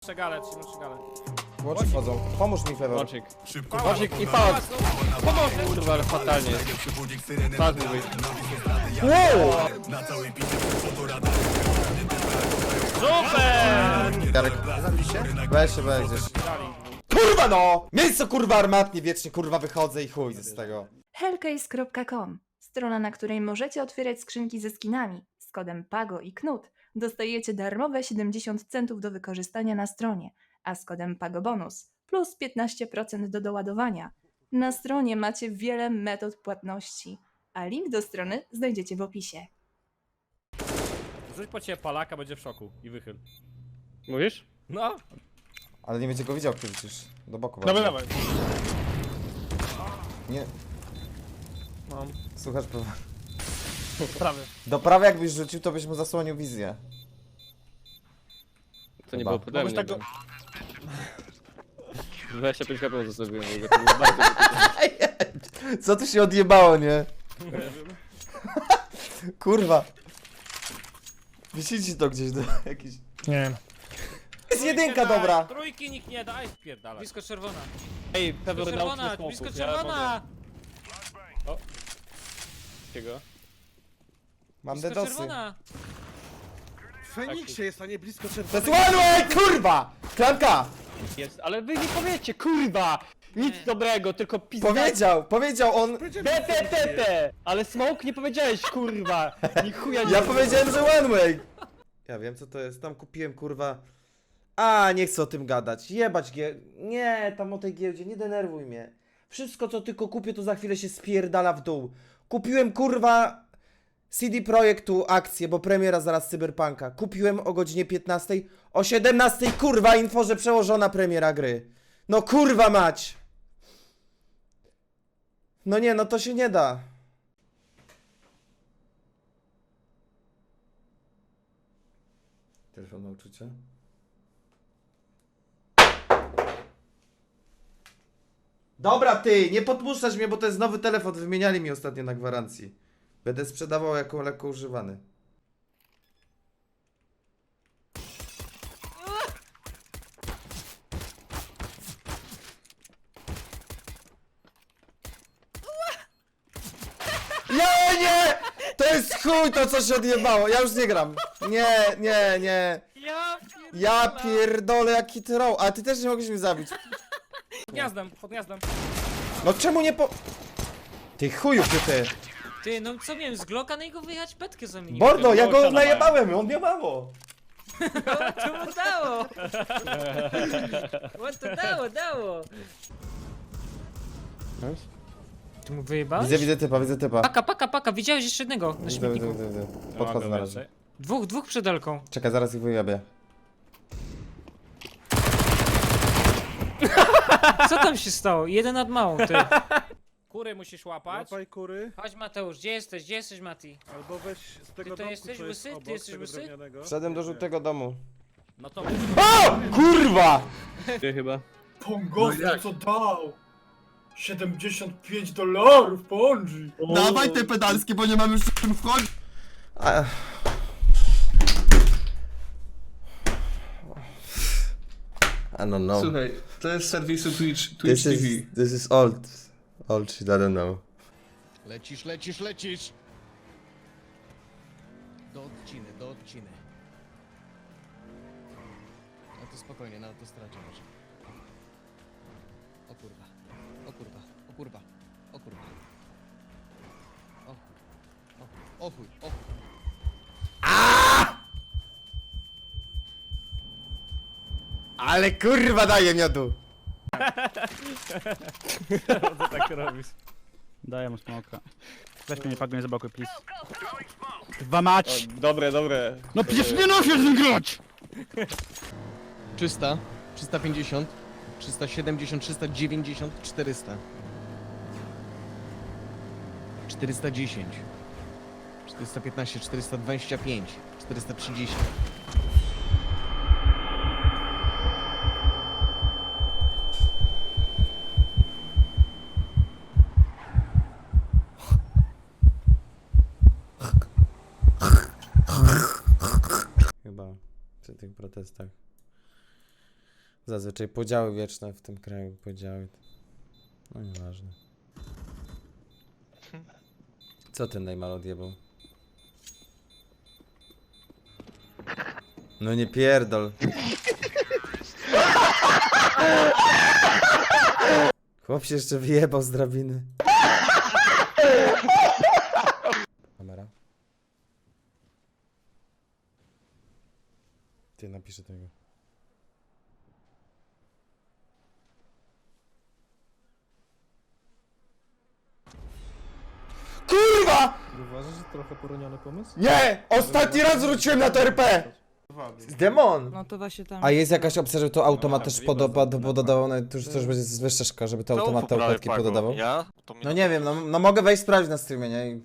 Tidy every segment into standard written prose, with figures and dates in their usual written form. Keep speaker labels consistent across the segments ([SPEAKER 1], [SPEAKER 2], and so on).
[SPEAKER 1] Przegalę, trzymam przegalę.
[SPEAKER 2] Łącznik wchodzą. Pomóż mi, Fewor.
[SPEAKER 3] Łącznik. Łącznik i pałac. Pomoże. Kurwa, ale fatalnie. Tak mówię.
[SPEAKER 2] Wow!
[SPEAKER 1] Super!
[SPEAKER 2] Jarek, weź się, weź gdzieś. Kurwa no! Miejsce kurwa armatnie, wiecznie kurwa wychodzę i chuj z tego.
[SPEAKER 4] Hellcase.com, strona, na której możecie otwierać skrzynki ze skinami. Z kodem PAGO i KNUT dostajecie darmowe 70 centów do wykorzystania na stronie, a z kodem PAGO bonus plus 15% do doładowania. Na stronie macie wiele metod płatności, a link do strony znajdziecie w opisie.
[SPEAKER 1] Rzuć po ciebie palaka, będzie w szoku i wychyl.
[SPEAKER 3] Mówisz?
[SPEAKER 1] No,
[SPEAKER 2] Ale nie będzie go widział przecież. Do boku
[SPEAKER 3] Dawaj,
[SPEAKER 2] bardziej.
[SPEAKER 3] dawaj.
[SPEAKER 2] Nie,
[SPEAKER 3] Mam.
[SPEAKER 2] słuchasz prawa.
[SPEAKER 3] Prawy.
[SPEAKER 2] Do prawej jakbyś rzucił, to byś mu zasłonił wizję.
[SPEAKER 3] To nie
[SPEAKER 2] Chyba.
[SPEAKER 3] było pode mnie.
[SPEAKER 1] tak
[SPEAKER 3] Go... 25 HP zostawiłem. To było bardzo...
[SPEAKER 2] Co tu się odjebało, nie? Kurwa. Wisicie to gdzieś do jakiś...
[SPEAKER 3] Nie.
[SPEAKER 2] Jest jedynka,
[SPEAKER 1] daj,
[SPEAKER 2] dobra.
[SPEAKER 1] Trójki nikt nie da, spierdalaj.
[SPEAKER 5] Blisko czerwona.
[SPEAKER 3] Ej, Pewor dał
[SPEAKER 5] Czerwona,
[SPEAKER 3] smoków,
[SPEAKER 5] blisko
[SPEAKER 3] ja
[SPEAKER 5] czerwona!
[SPEAKER 3] mogę. O. Jakiego?
[SPEAKER 2] Mam
[SPEAKER 5] Blisko
[SPEAKER 2] dedosy.
[SPEAKER 5] czerwona!
[SPEAKER 6] W Feniksie jest, a nie blisko
[SPEAKER 2] To
[SPEAKER 6] czerwonego.
[SPEAKER 2] jest one way, kurwa! Klamka!
[SPEAKER 3] Jest, ale wy nie powiecie, kurwa! Nic dobrego, tylko pizda.
[SPEAKER 2] Powiedział on...
[SPEAKER 3] Te! Ale smoke nie powiedziałeś, kurwa! Ni chuja nie
[SPEAKER 2] Ja powiedziałem, że one way! Ja wiem co to jest, tam kupiłem kurwa... A, nie chcę o tym gadać, jebać Nie, tam o tej giełdzie, nie denerwuj mnie. Wszystko co tylko kupię to za chwilę się spierdala w dół. Kupiłem kurwa... CD Projektu akcję, bo premiera zaraz Cyberpunka. Kupiłem o godzinie 15, o 17 kurwa info, że przełożona premiera gry. No kurwa mać! No nie, no to się nie da. Telefon na uczucie? Dobra ty, nie podpuszczać mnie, bo to jest nowy telefon, wymieniali mi ostatnio na gwarancji. Będę sprzedawał jako lekko używany. Nie! To jest chuj to co się odjebało, ja już nie gram. Nie. Ja pierdolę jaki troll, a ty też nie mogłeś mnie zabić.
[SPEAKER 1] Pod gniazdem.
[SPEAKER 2] No czemu nie po... Ty chuju ty.
[SPEAKER 5] Ty, no co miałem z Glocka na niego wyjechać? Petkę zamieniłem.
[SPEAKER 2] Bordo, ja go najebałem, on miał mało.
[SPEAKER 5] To mu dało! On to dało! Ty mu wyjebałeś?
[SPEAKER 2] Widzę typa.
[SPEAKER 5] Paka, widziałeś jeszcze jednego na śmietniku.
[SPEAKER 2] Widzę. Podchodzę na razie.
[SPEAKER 5] Dwóch przed Elką.
[SPEAKER 2] Czekaj, zaraz ich wyjabię.
[SPEAKER 5] Co tam się stało? Jeden nad małą, ty.
[SPEAKER 1] Kury musisz łapać.
[SPEAKER 6] Łapaj kury,
[SPEAKER 5] Chodź Mateusz, gdzie jesteś? Gdzie jesteś, Mati?
[SPEAKER 6] albo weź z tego
[SPEAKER 5] Ty to
[SPEAKER 6] domku,
[SPEAKER 5] jesteś
[SPEAKER 6] co jest
[SPEAKER 5] łysy? Ty
[SPEAKER 6] obok,
[SPEAKER 5] jesteś
[SPEAKER 6] tego
[SPEAKER 5] łysy?
[SPEAKER 6] drewnianego.
[SPEAKER 2] Wszedłem do żółtego domu.
[SPEAKER 1] No to
[SPEAKER 2] O! Kurwa!
[SPEAKER 3] Ty chyba.
[SPEAKER 7] Pongosy co dał? $75 Ponzi.
[SPEAKER 8] Dawaj te pedalskie, bo nie mam już w czym wchodzić.
[SPEAKER 2] I don't know.
[SPEAKER 8] Słuchaj, to jest z serwisu Twitch TV.
[SPEAKER 2] This is old. Old shit, I don't know.
[SPEAKER 9] Lecisz. Do odciny. No to spokojnie, na autostradzie może. O kurwa. O chuj.
[SPEAKER 2] Ale kurwa daje miodu!
[SPEAKER 1] co tak robisz?
[SPEAKER 10] Daję mu smoka. Weź mnie, nie pakuj, zablokuj, please. Dwa mać!
[SPEAKER 3] Dobre.
[SPEAKER 10] No przecież nie noszę z nim grać!
[SPEAKER 9] 300, 350, 370, 390, 400. 410. 415, 425, 430.
[SPEAKER 2] Chyba przy tych protestach. Zazwyczaj podziały wieczne w tym kraju, podziały. No nieważne. Co ten Neymar odjebał? No nie pierdol. Chłop się jeszcze wyjebał z drabiny. Kamera. Ty napiszę tego. Kurwa!
[SPEAKER 3] Uważasz, że trochę poroniony pomysł?
[SPEAKER 2] Nie! Ostatni raz wróciłem na to RP! Demon!
[SPEAKER 5] No to właśnie tam...
[SPEAKER 2] A jest jakaś opcja, żeby to automat też pododawał, no to już będzie wyższa szkoła, żeby to automat te układki pododawał?
[SPEAKER 3] Ja?
[SPEAKER 2] No nie wiem, no mogę wejść sprawdzić na streamie, nie? I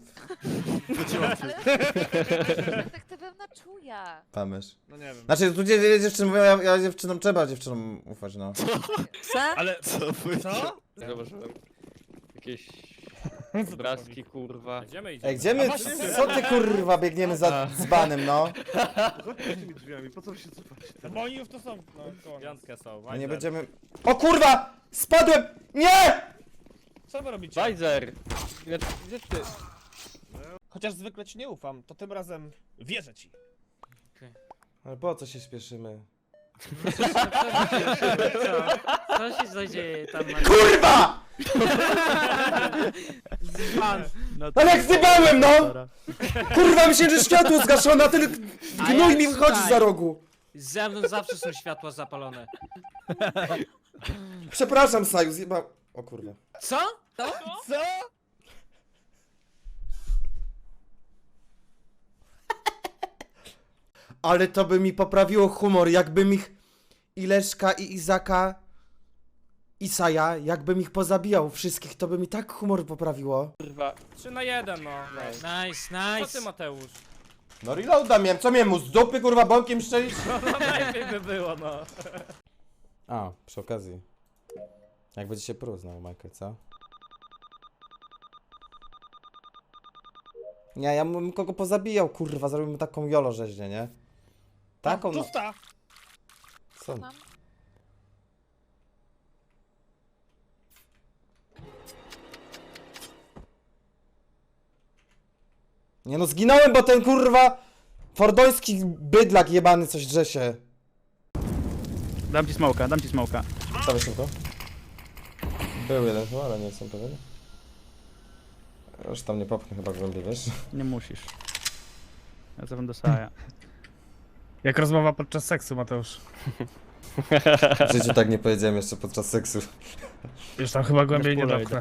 [SPEAKER 4] Detektywem na czuja.
[SPEAKER 2] pamysz.
[SPEAKER 6] No nie wiem.
[SPEAKER 2] Znaczy, tu dziewczyny mówią, ja dziewczynom trzeba dziewczynom ufać, no.
[SPEAKER 6] Ale co?
[SPEAKER 3] Zauważyłem. Jakieś obrazki, kurwa.
[SPEAKER 1] Idziemy, idziemy.
[SPEAKER 2] Ej, gdzie my, co ty kurwa biegniemy za dzbanem, no?
[SPEAKER 6] Chodźcie tymi drzwiami, po co wy się cofacie?
[SPEAKER 1] Bo oni już to są. No, piątkę są.
[SPEAKER 2] My nie będziemy... O kurwa! Spadłem! Nie!
[SPEAKER 1] Co wy robicie?
[SPEAKER 3] Bajzer! Gdzie ty?
[SPEAKER 1] Chociaż zwykle ci nie ufam, to tym razem wierzę ci.
[SPEAKER 2] Ale po co się śpieszymy?
[SPEAKER 5] Co się zadzieje tam na...
[SPEAKER 2] Kurwa!
[SPEAKER 10] No
[SPEAKER 2] Ale jak zjebałem, no! Kurwa, myślę, że światło zgaszone, a ten gnój mi wychodzi za rogu.
[SPEAKER 5] Ze mną zawsze są światła zapalone.
[SPEAKER 2] Przepraszam, Saju, zjebał... O kurwa.
[SPEAKER 5] Co?
[SPEAKER 1] Co?
[SPEAKER 2] Ale to by mi poprawiło humor, jakbym ich... Ileszka i Izaka... Isaja, jakbym ich pozabijał wszystkich, to by mi tak humor poprawiło.
[SPEAKER 3] Kurwa.
[SPEAKER 1] 3 na 1, no.
[SPEAKER 5] Nice,
[SPEAKER 1] Co
[SPEAKER 5] nice.
[SPEAKER 1] ty, Mateusz?
[SPEAKER 2] No reloada miałem, co miałem mu z dupy kurwa bąkiem strzelić?
[SPEAKER 1] No najlepiej by było, no.
[SPEAKER 2] A, przy okazji. Jak będzie się porównał, Michael, co? Nie, ja bym kogo pozabijał, kurwa, zrobimy taką jolo rzeźnię, nie? Taką, no.
[SPEAKER 1] Pusta!
[SPEAKER 2] Co? Nie no, zginąłem, bo ten kurwa fordoński bydlak jebany coś drze się.
[SPEAKER 10] Dam ci smoka, dam ci smoka.
[SPEAKER 2] Stawię szybko. Był jeden chyba, ale nie jestem pewien. Już tam nie popchnę chyba głębiej, wiesz?
[SPEAKER 10] Nie musisz. Ja zawam do Saja. Jak rozmowa podczas seksu, Mateusz.
[SPEAKER 2] W życiu tak nie powiedziałem jeszcze podczas seksu.
[SPEAKER 10] Już tam chyba głębiej nie dopchnę.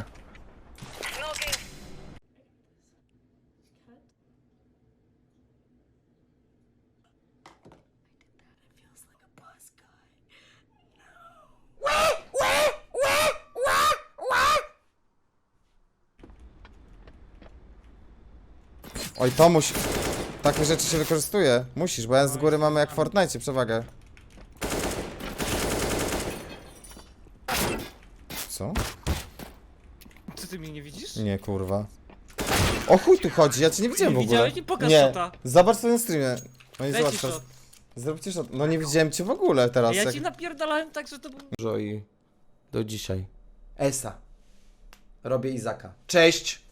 [SPEAKER 2] Oj, to musi... Takie rzeczy się wykorzystuje. Musisz, bo ja z góry mamy jak w Fortnite przewagę. Co?
[SPEAKER 5] Co ty mnie nie widzisz?
[SPEAKER 2] Nie, kurwa. O chuj tu chodzi, ja cię nie widziałem w
[SPEAKER 5] Nie
[SPEAKER 2] ogóle.
[SPEAKER 5] widziałeś? Nie pokaż
[SPEAKER 2] Nie,
[SPEAKER 5] shota.
[SPEAKER 2] zobacz sobie na streamie. No i
[SPEAKER 5] Daj
[SPEAKER 2] zobacz
[SPEAKER 5] ci
[SPEAKER 2] teraz.
[SPEAKER 5] shot.
[SPEAKER 2] Zróbcie shot. No nie widziałem cię w ogóle teraz.
[SPEAKER 5] Ja
[SPEAKER 2] jak...
[SPEAKER 5] ci napierdalałem tak, że to był...
[SPEAKER 2] Dużo i do dzisiaj. Esa. Robię Izaka. Cześć!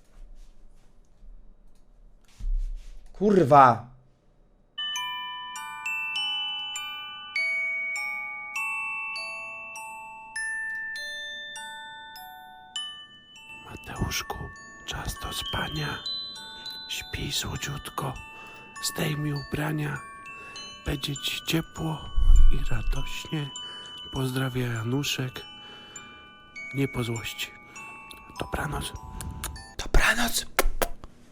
[SPEAKER 2] Kurwa!
[SPEAKER 11] Mateuszku, czas do spania. Śpij słodziutko, zdejmij ubrania. Będzie ci ciepło i radośnie. Pozdrawia Januszek. Nie po złości. Dobranoc.
[SPEAKER 2] Dobranoc!